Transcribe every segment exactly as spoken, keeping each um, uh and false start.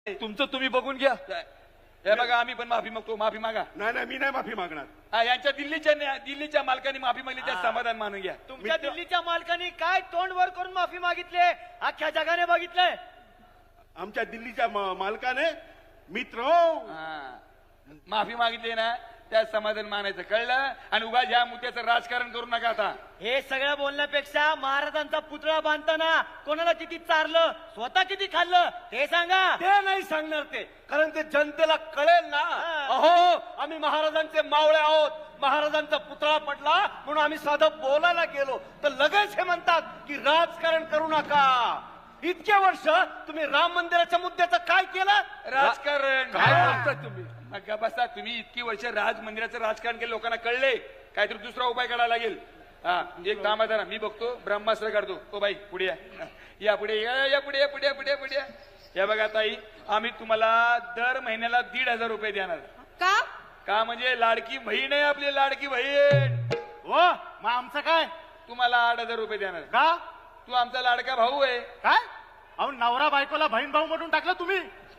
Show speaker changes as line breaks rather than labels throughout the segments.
तुमचं तुम्ही बघून घ्या.
हे बघा आम्ही पण माफी मागतो. माफी मागा.
नाही नाही मी नाही माफी मागणार.
हा, यांच्या दिल्लीच्या दिल्लीच्या मालकांनी माफी मागली त्या समाधान मानून घ्या.
तुमच्या दिल्लीच्या मालकांनी काय तोंड वर करून माफी मागितली अख्ख्या जगाने बघितलंय.
आमच्या दिल्लीच्या मा- मालकाने मित्र
हा, माफी मागितली ना त्या समाधान मानायचं कळलं. आणि उगा या मुद्द्याचं राजकारण करू नका आता.
हे सगळं बोलण्यापेक्षा महाराजांचा पुतळा बांधताना कोणाला किती चारलं स्वतः किती खाल्लं ते सांगा.
ते नाही सांगणार ते, कारण ते जनतेला कळेल ना. अहो आम्ही महाराजांचे मावळे आहोत, महाराजांचा पुतळा पडला म्हणून आम्ही साधं बोलायला गेलो तर लगेच हे म्हणतात की राजकारण करू नका. इतके वर्ष तुम्ही राम मंदिराच्या मुद्द्याचं काय केलं?
राजकारण
काय बोलताय तुम्ही?
मग बसा. तुम्ही इतकी वर्ष राज मंदिराचं राजकारण केलं, लोकांना कळले. काहीतरी दुसरा उपाय काढायला लागेल. हा, एक काम आहे, मी बघतो ब्रह्मास्त्र काढतो. ओ बाई पुढे या, या पुढे या, या पुढे या, पुढे या, पुढे या, पुढे या. या बघा ताई, आम्ही तुम्हाला दर महिन्याला दीड हजार रुपये देणार.
का
का म्हणजे लाडकी बहीण आहे आपली, लाडकी बहीण.
हो मग आमचं काय?
तुम्हाला आठ हजार रुपये देणार.
का?
तू आमचा लाडका भाऊ आहे.
काय? अहो नवरा बायकोला बहीण भाऊ म्हणून टाकलं तुम्ही.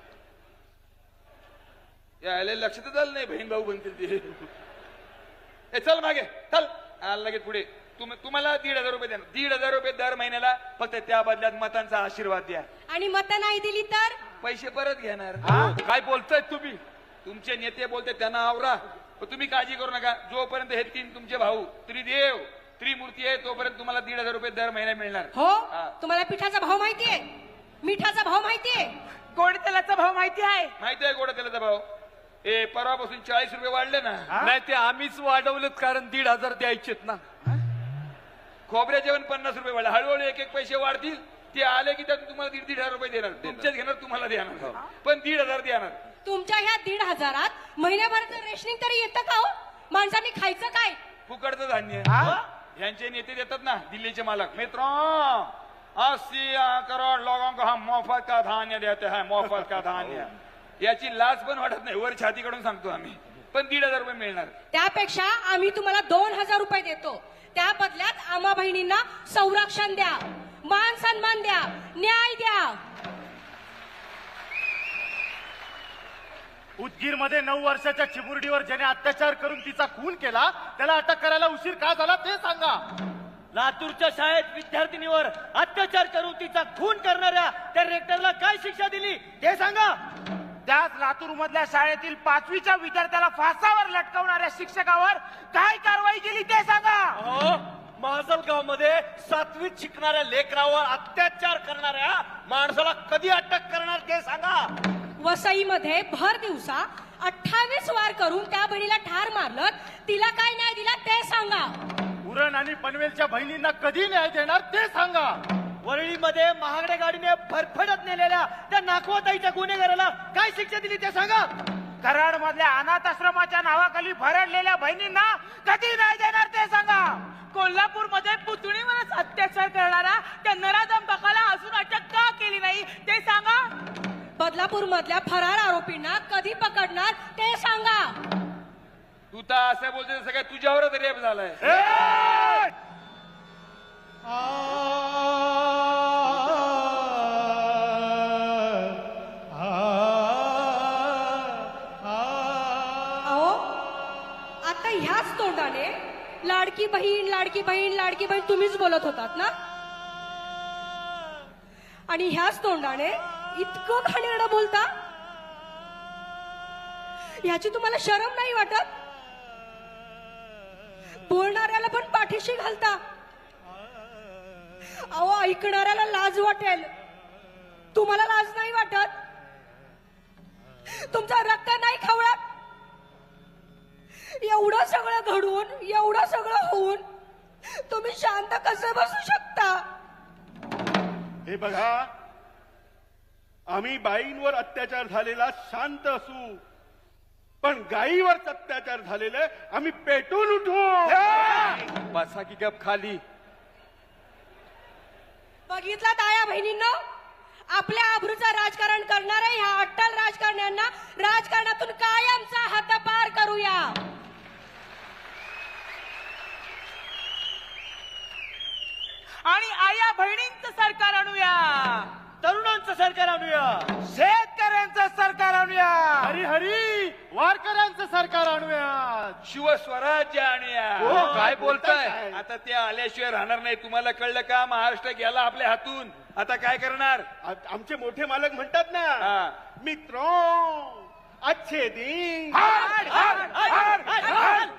यायला लक्षातच आलं नाही बहीण भाऊ बनतील ते. ए चल मागे चल. आला लगेच पुढे. तुम तुम्हाला दीड हजार रुपये देणार. दीड हजार रुपये दर महिन्याला. फक्त त्या बदल्यात मतांचा आशीर्वाद द्या.
आणि मत नाही दिली तर
पैसे परत घेणार.
काय बोलताय तुम्ही?
तुमचे नेते बोलते त्यांना आवरा. पण तुम्ही काळजी करू नका. जोपर्यंत हे तीन तुमचे भाऊ त्रिदेव त्रिमूर्ती आहे तोपर्यंत तुम्हाला दीड हजार रुपये दर महिना मिळणार.
हो.
हा.
तुम्हाला पिठाचा भाव माहितीये, मिठाचा भाव माहितीये,
गोड तेलाचा भाव माहिती आहे?
माहिती आहे गोडा तेलाचा भाव. ए परवापासून चाळीस रुपये वाढले ना.
नाही ते आम्हीच वाढवलेत, कारण दीड हजार द्यायचेत ना.
खोबऱ्याचे पण पन्नास रुपये वाढले. हळूहळू एक एक पैसे वाढतील. ते आले की त्यातून तुम्हाला दीड दीड हजार रुपये देणार. तुमचेच घेणार, तुम्हाला देणार, पण दीड हजार देणार.
तुमच्या ह्या दीड हजारात महिन्याभराचं रेशनिंग तरी येतं का हो? माणसांनी खायचं काय?
फुकटचं धान्य. यांचे नेते देतात ना दिल्लीचे मालक. मित्रों, अस्सी करोड लोगों को हम मोफत का धान्य देते हैं, मोफत का धान्य. याची लाच पण वाटत नाही. वर छातीकडून सांगतो आम्ही. पण दीड हजार रुपये मिळणार.
त्यापेक्षा आम्ही तुम्हाला दोन हजार रुपये देतो. त्या बदल्यात आम्हा बहिणींना संरक्षण द्या, मान सन्मान द्या, न्याय द्या.
उदगीर मध्ये नऊ वर्षाच्या चिमुरडीवर ज्याने अत्याचार करून तिचा खून केला त्याला अटक करायला उशीर का झाला ते सांगा. लातूरच्या शाळेत विद्यार्थिनीवर अत्याचार करून तिचा खून करणाऱ्या त्या रेक्टरला काय शिक्षा दिली ते सांगा.
त्याच लातूर मधल्या शाळेतील पाचवीच्या विद्यार्थ्याला फासावर लटकवणाऱ्या शिक्षकावर काय कारवाई केली ते सांगा.
अहो माजलगाव मध्ये सातवीत शिकणाऱ्या लेकरावर अत्याचार करणाऱ्या माणसाला कधी अटक करणार ते सांगा.
वसईमध्ये भर दिवसा अठ्ठावीस वार करून त्या बहिणीला ठार मारलं, तिला काय न्याय दिला ते सांगा.
उरण आणि पनवेलच्या बहिणींना कधी न्याय देणार ते सांगा. वरळीमध्ये महागड्या गाडीने फरफडत नेलेल्या त्या नाखवाताईच्या गुन्हेगाराला काय शिक्षा दिली ते सांगा.
कराड मधल्या अनाथ आश्रमाच्या नावाखाली भरडलेल्या बहिणींना कधी नाही देणार ते सांगा. कोल्हापूरमध्ये पुतणीवरच अत्याचार करणारा त्या नराधम बकाला अजून अटक का केली नाही ते सांगा.
बदलापूर मधल्या फरार आरोपींना कधी पकडणार ते सांगा.
तू तर असं बोलते सगळ्या तुझ्यावरच रेप झालाय.
अहो आता ह्याच तोंडाने लाडकी बहीण लाडकी बहीण लाडकी बहीण तुम्हीच बोलत होतात ना. आणि ह्याच तोंडाने इतकं घाणेरडं बोलता. ह्याची तुम्हाला शरम नाही वाटत? बोलणाऱ्याला पण पाठीशी घालता. अहो ऐकणाऱ्याला लाज वाटेल, तुम्हाला लाज नाही वाटत? तुमचा रक्त नाही खवळत? एवढं सगळं घडून एवढं सगळं होऊन तुम्ही शांत कसं बसू शकता?
हे बघा, आम्ही बाईंवर अत्याचार झालेला शांत असू, पण गायीवर अत्याचार झालेले आम्ही पेटून उठू.
बसा की गप खाली.
बघितला ताया बहिणींनो, आपल्या आबरूचं राजकारण करणाऱ्या ह्या अट्टल राजकारण्यांना राजकारणातून कायमचा हद्दपार करूया.
आणि आया बहिणींचं सरकार आणूया,
तरुणांचं सरकार आणूया,
शेतकऱ्यांचं
सरकार आणूयात.
शिवस्वराज्य आणूया.
हो,
काय
बोलताय
बोलताय
काय?
आता ते आल्याशिवाय राहणार नाही. तुम्हाला कळलं का? महाराष्ट्र गेला आपल्या हातून. आता काय करणार?
आ- आमचे मोठे मालक म्हणतात ना,
हा.
मित्रो अच्छे दिन
हाड, हाड, हाड, हाड.